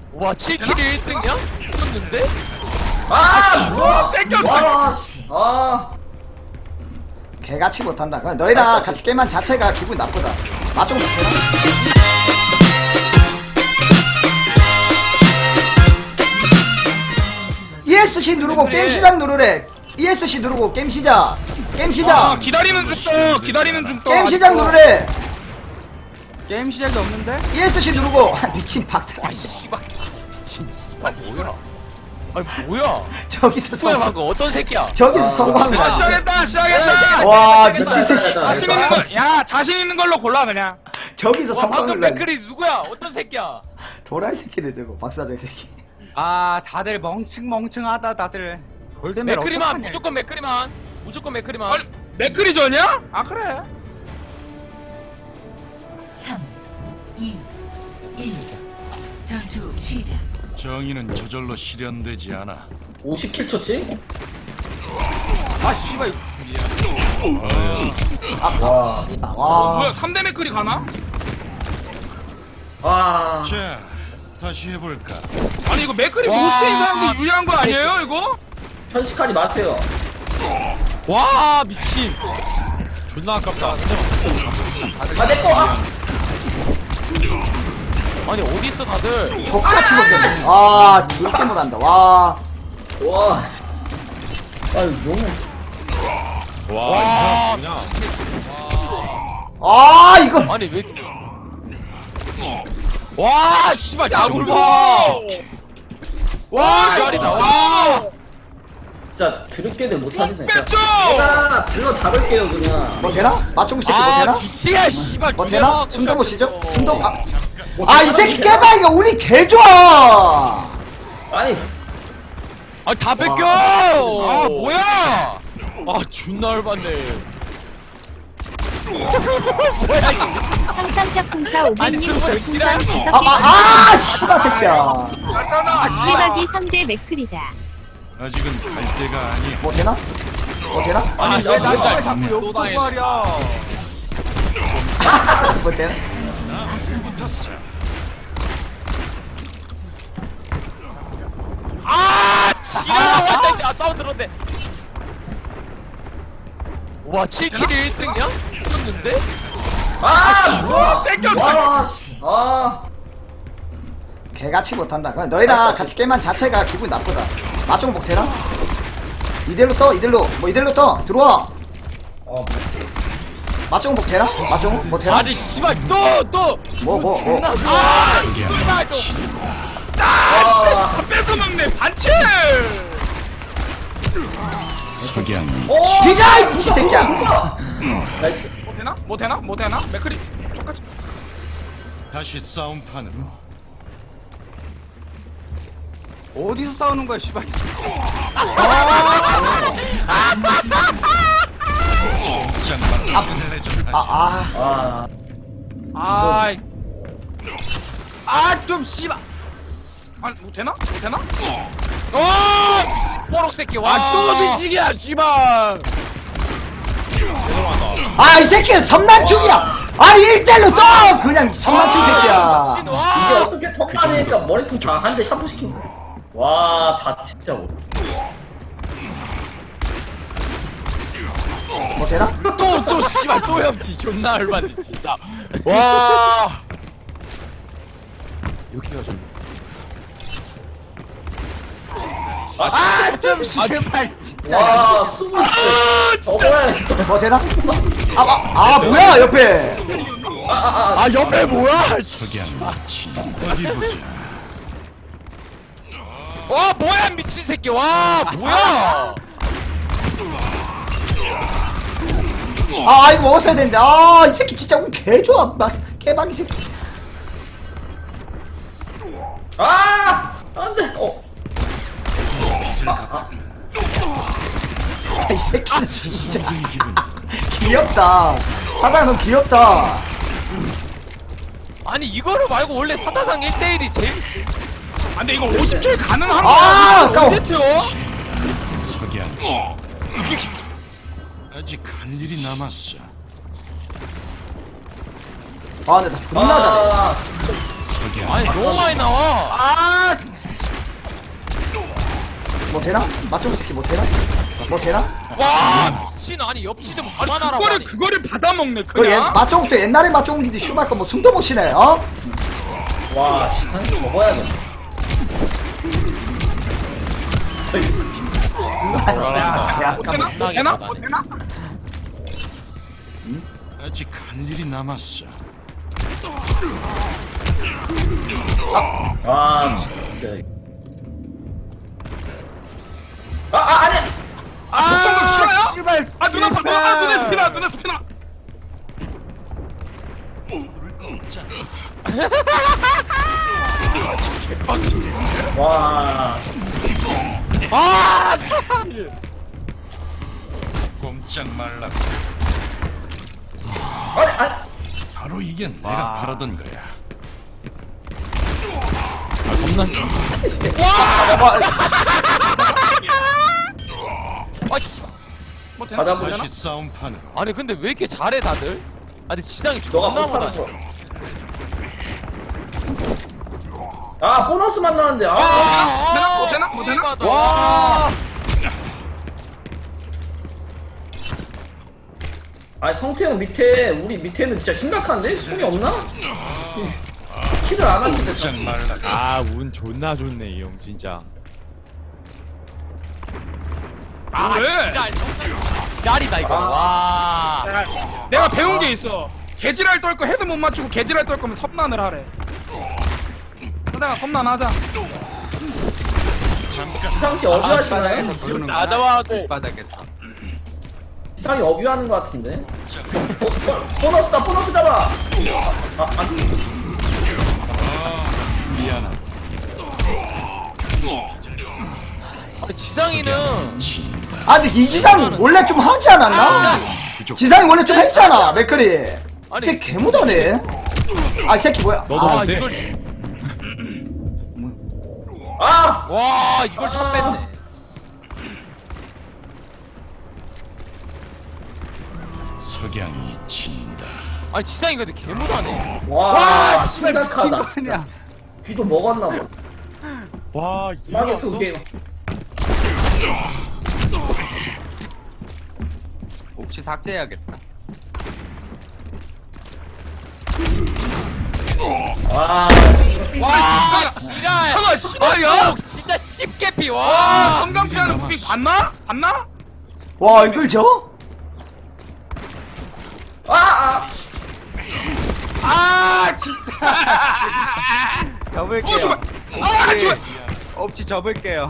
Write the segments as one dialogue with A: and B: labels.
A: 와 7킬이 1등이야? 미쳤는데?
B: 뭐 뺏겼어.
C: 개같이 못한다. 그냥 너희랑 같이 게임한 자체가 기분 나쁘다. 나좀 못해라. ESC 누르고 게임 시작 누르래. ESC 누르고 게임 시작. 게임 시작.
B: 기다리는 중떠. 기다리는 중떠.
C: 게임 시작 누르래.
D: 게임 시작이 없는데?
C: ESC 누르고 미친 박사.
A: 아 씨발 미친 씨발 뭐야? 아니 뭐야?
C: 저기서
A: 뭐야
C: 성공.
A: 방금 어떤 새끼야?
C: 저기서 성공한 거야.
B: 시작했다. 시작했다.
C: 와 미친 새끼.
B: 자신 있는 걸. 야 자신 있는 걸로 골라 그냥.
C: 저기서
A: 와 방금
C: 성공을 해.
A: 맥클이 누구야? 어떤 새끼야?
C: 도라이 새끼들 저거 박사장 새끼.
D: 아 다들 멍청하다 다들. 골드멜
A: 맥클이만
D: 어떡하냐,
A: 무조건 맥클이만 무조건 맥클이만.
B: 아니 맥크리전이야? 아 그래.
E: 3, 2, 1. 전투 시작.
F: 정의는 저절로 실현되지 않아.
G: 50킬 쳤지?
D: 아 씨발.
C: 와.
B: 뭐야 3대 맥크리 가나?
G: 와.
F: 자, 다시 해볼까.
B: 아니 이거 맥크리
A: 와.
B: 모스트인 사람들 유리한 거 아니에요 이거?
G: 현식하지 마세요.
A: 와 미친. 존나 아깝다.
G: 아, 내꺼!
A: 아니 어디 있어 다들?
C: 족같이 못했어. 아 이렇게 못한다. 와.
G: 와. 아유, 너무.
A: 와
F: 그냥
A: 미친 새끼.
C: 아 이걸.
A: 아니 왜? 와 씨발 야구를 봐. 와 잘이다. 와.
G: 진짜 드럽게들 못하시네. 진짜.
B: 뺐죠!
G: 제가 들러 잡을게요, 그냥.
C: 뭐 되나? 맞종구 새끼 뭐
A: 아
C: 되나?
A: 기치야 씨발.
C: 뭐
A: 두개
C: 되나?
A: 나왔고
C: 숨도 못 쉬죠?
A: 시작했어.
C: 숨도 아 이 새끼 깨방이가 우리 개 좋아.
G: 아니,
A: 아다 뺏겨. 아 뭐야? 아 존나 열받네. 뭐야 이 새끼.
H: 항상 샤풍차
A: 아니,
H: 500님
A: 스물
H: 별풍선
A: 시라니.
H: 5개
C: 씨발 새끼야.
B: 맞잖아.
H: 실박이 3대 맥클이다.
F: 아직은 갈 때가 아니야.
C: 뭐 되나? 뭐 되나?
A: 아니
D: 왜
A: 왜
D: 나를
A: 날
D: 자꾸
A: 또
D: 여기서
A: 당해.
D: 말이야.
C: 뭐 되나?
A: 아 지랄아 완전 아 싸움 들었네. 와 7킬이 1등이야? 미쳤는데?
B: 뭐 뺏겼어.
G: 아.
C: 개같이 못한다. 그냥 너희랑 같이 게임한 자체가 기분 나쁘다. 맞종 목 되나? 이대로 떠 이대로 뭐 이대로 떠 들어와. 맞종 목 되나? 맞종 목 되나?
A: 아니 씨발 또
C: 뭐
A: 아 씨발 좀.
B: 다 뺏어 먹네 반칙.
F: 석양.
C: 뒤져 이 미친 새끼야.
G: 나이스.
B: 뭐 되나? 뭐 되나? 뭐 되나? 맥크리 똑같이.
F: 다시 싸움판으로.
D: 어디서 싸우는 거야 씨발.
F: 짱만 실내전 하지.
C: 아
G: 아.
B: 아좀 씨발. 아니 뭐 되나? 뭐 되나?
A: 와 미친 뽀록 새끼 와또 뒤지기야 씨발.
C: 이 새끼는 섬난충이야. 아니 1대1로 떠 그냥 섬난충 새끼야.
A: 미친
G: 이게
A: 와.
G: 어떻게 선반이니까 머리통 다 한 대 샴푸 시킨 거야. 와, 다 진짜.
C: 뭐 되나?
A: 또 씨발 또 협지 존나 열받네 진짜. 와. 여기가 좀.
C: 아좀 씨발 진짜.
G: 와, 숨을 쉬어. 먹어야겠다.
C: 뭐 되나? 뭐야 옆에.
A: 아 옆에 뭐야?
F: 석양. 어디 보자.
A: 와 뭐야 미친 새끼 와 뭐야?
C: 이거 먹었어야 되는데. 이 새끼 진짜 오늘 개 좋아. 개박이 새끼.
G: 아! 안 돼.
C: 이 새끼 진짜
F: 모든 기분.
C: 귀엽다. 사장 너 귀엽다.
A: 아니 이거를 말고 원래 사자상 1대1이 제일.
B: 아 근데 이거 50킬 가능한
C: 아까워.
B: 거야? 언제 태워?
F: 석양. 아직 할 일이 남았어.
C: 근데 나 존나 잘해.
G: 아,
F: 석양.
A: 아니 너무 많이 나와.
C: 뭐 되나? 맞종 새끼 뭐 되나? 뭐 되나?
A: 와 미친 아니 옆치도
B: 아니
A: 그만하라고
B: 그거를 받아먹네
C: 그
B: 그냥.
C: 맞종도 옛날에 맞종인데 슈마이커 뭐 숨도 못 쉬네 어?
G: 와, 시간이 먹어야겠네.
C: 야,
B: 뭐 되나? 뭐 되나? 뭐 되나?
F: 아직 할 일이 남았어.
G: 아, 진짜. 아니!
B: 독성도 싫어요? 아 눈 아파. 아 눈에 스피나. 눈에 스피나.
G: 와,
A: 아
F: 꼼짝 말라.
G: 아니,
F: 바로 이게 내가 바라던 거야.
A: 아 씨발
B: 뭐 되나?
G: 가자,
B: 뭐 되나?
F: 다시 싸움판으로.
A: 아니 근데 왜 이렇게 잘해 다들? 아니 지상이
G: 너가
A: 존나
G: 못하는
A: 못하네
G: 거. 아, 보너스 만나는데, 아.
B: 되나? 뭐 되나? 뭐 되나?
A: 와
G: 아니, 성태형 밑에, 우리 밑에는 진짜 심각한데? 손이 없나? 킬을 안 하는데.
F: 꼼짝 말라.
A: 아 운 존나 좋네 이 형 진짜 아
B: 왜?
A: 진짜 지랄이다 이거
G: 아.
A: 와
B: 내가 배운 게 있어. 개지랄 떨 거 헤드 못 맞추고 개지랄 떨 거면 섬난을 하래. 사장아 섬난하자.
G: 시상씨 어뷰하시나요?
A: 나자와도
D: 바닥에서.
G: 시상이 어뷰하는 것 같은데? 보너스다, 보너스 잡아!
F: 미안하다.
A: 지상이는
C: 아 근데 이지상 원래 좀 하지 않았나? 지상이 원래 좀 했잖아 맥클이
A: 아니,
C: 새끼 개무다네 아 이 새끼 뭐야
A: 아
C: 아,
A: 이걸
G: 아!
A: 와 이걸 첫 뺐네
F: 석양이 친다.
A: 아니 지상이 근데 개무다네
G: 와, 심각하다.
D: 그냥.
G: 귀도 먹었나 봐.
A: 와
G: 망했어, 게임.
D: 옵치 삭제해야겠다.
G: 와,
A: 와 지랄
B: 성아 씨발야.
A: 진짜 쉽게 피
B: 와
A: 와
B: 성강피하는 무빙 봤나? 봤나?
C: 와 이걸 져?
D: 아 진짜. 접을게요.
B: 어 씨발. 아 씨발.
D: 옵치 접을게요.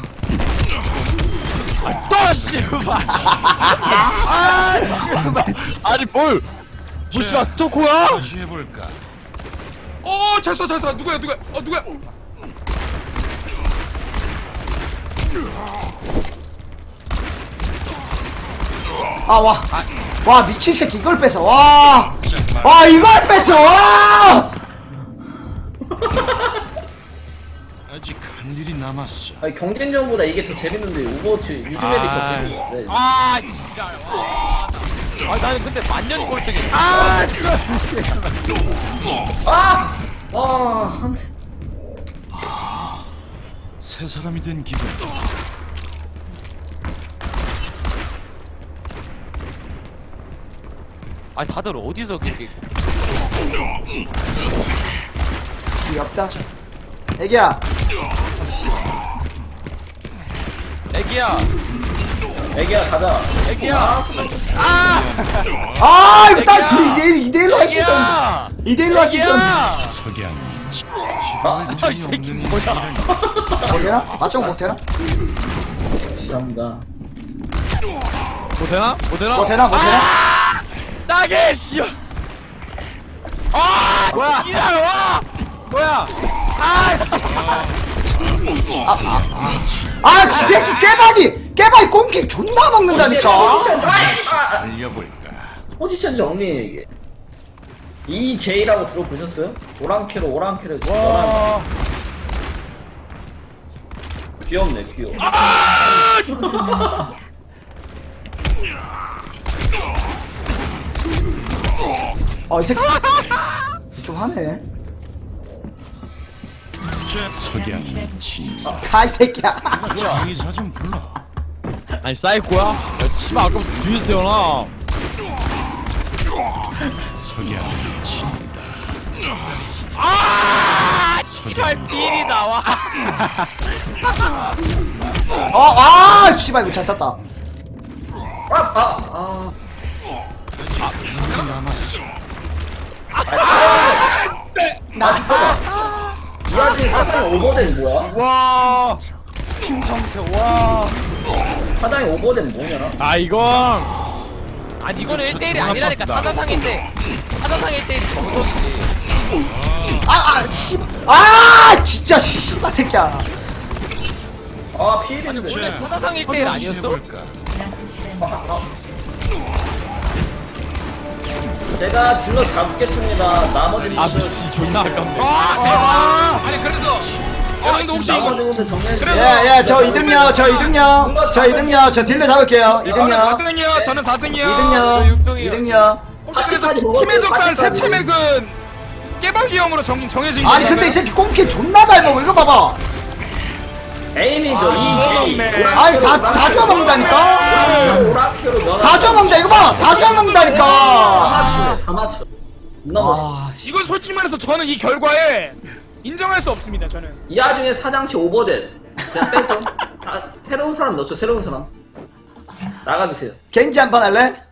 A: 또 씨발 아 씨발 아니 뭘 무시마 스토커야?
F: 다시 해볼까?
B: 어 졌어. 누구야? 누구야?
C: 와 미친 새끼 이걸 뺏어 와 이걸 뺏어 와
F: 아직 할 일이 남았어.
G: 아니, 경쟁전보다 이게 더 재밌는데, 오버워치 요즘에도 더 재밌는데.
A: 아 지랄 와 나는 근데 만년 꼴등이
G: 한 대.
F: 새 사람이 된 기분.
A: 아니 다들 어디서 그렇게
C: 귀엽다 애기야
A: 애기야
G: 애기야, 가자.
A: 애기야
C: 아 이거 딱
A: 애기야.
C: 2대1로 할 수 있었는데 2대1로 할 수 있었는데
F: 석양이
A: 아, 이 새끼 뭐야?
C: 뭐 되나? 맞종 뭐 되나?
G: 감사합니다.
A: 뭐 되나? 뭐 되나?
C: 뭐 되나? 뭐 되나?
A: 나게 씨. 아
C: 뭐야?
A: 지랄 와.
C: 뭐야?
A: 아 씨.
C: 아 지새끼 깨바이 꽁킥 존나 먹는다니까
F: 알려볼까?
G: 포지션 정리해, 이게. EJ라고 들어보셨어요? 오랑캐로. 귀엽네, 귀여워.
E: 15초 남았습니다.
C: 이 새끼 좀 하네
F: 석양이 친다.
C: 가이 새끼야.
F: 장의사 좀 불러.
A: 아니 사이코야? 야 씨발 아까부터 뒤에서 태어나.
F: 석양이 친다.
A: 아 씨발 비리 나와.
C: 아 씨발 이거 잘 쐈다.
G: 이 와중에 사장이 오버된 뭐야?
D: 와. 김성태 와.
G: 사장이 오버된 뭐냐?
A: 아 이건 아니 이거는 1대1이 아니라니까. 사자상일 때 1대1이 정석이지.
C: 진짜 씨발 새끼야.
G: 아 피해인데.
A: 원래 사자상 1대1 아니었어?
G: 제가 질러 잡겠습니다. 나머지
A: 아
G: 분들
A: 미치 존나 아깝네.
B: 아니 그래도 근데 혹시
G: 나머지
B: 이거
G: 분들 정리해주세요.
B: 그래도-
C: 예예 저 2등요 저 딜러 잡을게요.
B: 저는
C: 2등요
B: 4등이요. 저는 4등이요.
C: 2등요.
B: 혹시 그래서 팀의 적단 새 팀액은 깨박이 형으로 정해진
C: 아니
B: 건가요?
C: 근데 이 새끼 꽁키 존나 잘 먹어. 이거 봐봐.
G: 에이미죠 이
C: 아니 다 주워 먹는다니까.
G: 오라큐로 넣어.
C: 다 주워 먹는다 이거 봐. 다 주워 먹는다니까.
G: 다 맞춰. 존나 멋있어.
B: 이건 솔직히 말해서 저는 이 결과에 인정할 수 없습니다. 저는
G: 이 와중에 사장치 오버된. 그냥 빼죠. 새로운 사람 넣죠. 새로운 사람. 나가주세요.
C: 겐지 한 판 할래?